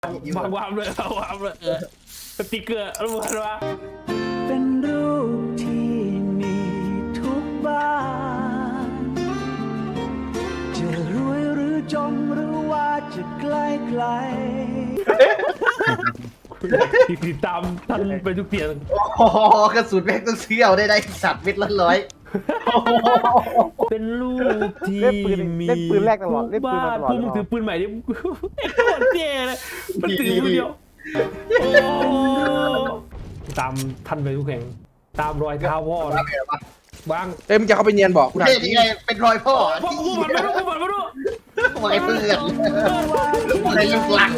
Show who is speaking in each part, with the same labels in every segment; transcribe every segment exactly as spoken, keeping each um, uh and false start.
Speaker 1: วางวางเลยวางเลยเออสติกเกอร์รู้ไหมวะ
Speaker 2: เป็นรูปที่มีทุกบ้านจะรวยหรือจนหรือว่าจะไกลไกล
Speaker 1: ติดตามท่านไปทุกเตียง
Speaker 3: โอ้โหกระสุนแม่งต้องเชี่ยวได้ได้สัตว์เม็ดละร้อย
Speaker 1: เป็นลูกที่
Speaker 4: เล่นปืน
Speaker 1: มี
Speaker 4: เล่นปืนแรกตลอดเล่นปืนมาตลอด
Speaker 1: พวกมึงถือปืนใหม่ดิโคตรเจ๋เลยมันถือมือเดียวโอ้ตามท่านไปทุกแห่งตามรอยเท้าพ่อนะวาง
Speaker 5: เอ้ยมึงจะเข้าไปเนียนบอกกูถาม
Speaker 3: เฮ้ย
Speaker 5: จริ
Speaker 3: นี่
Speaker 5: ง
Speaker 3: ไงเป็นรอยพ่อ
Speaker 1: พ่อกูบันไม่รู้กูบันไม่รู้
Speaker 3: ไว้เพื่อนอะไรลูกหลัง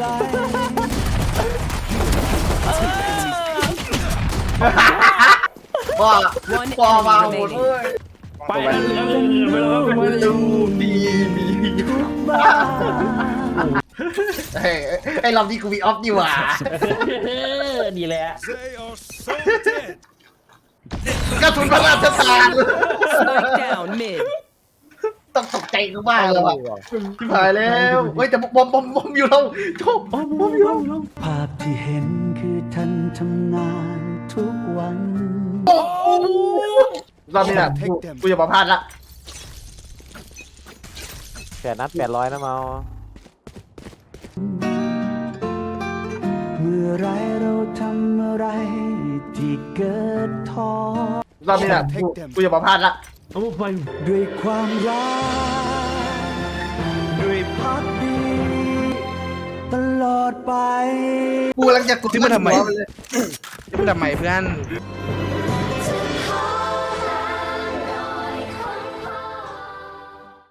Speaker 3: พ่อพ่อมาหมดเลย
Speaker 1: ไปแล้วเหลือเหลือไปแล้วไปแล้ว
Speaker 3: ดีมีทุกบ้านเฮ้ยไอ้รอบนี้กูมีออฟดีหว่า
Speaker 1: ดีแหละ
Speaker 3: กระสุนพระราชทาน
Speaker 6: Spike down mid.
Speaker 3: ต้องตกใจกูบ้างเลยว่ะชิบหายแล้วเฮ้ยแต่บอมบอมบอมอยู่เราชอบบอมบอมอยู่เรา
Speaker 2: ภาพที่เห็นคือท่านทำงานทุกวัน
Speaker 3: รอบนี้แหละกูกูจะมาพลาดละ
Speaker 4: แปดนัดแปดร้อยนะเมา
Speaker 2: เมื่อไรเราทำอะไรที่เกิดท้อ
Speaker 3: รอบนี้แหละกูกูจะมาพลาดละ
Speaker 1: เอาไป
Speaker 2: ด้วยความรักด้วยพักดีตลอดไป
Speaker 3: กูกำลังจะกด
Speaker 5: ซื้อมาทำไม
Speaker 3: หัวนเลย
Speaker 5: ซื้อมาทำไมเพื่อน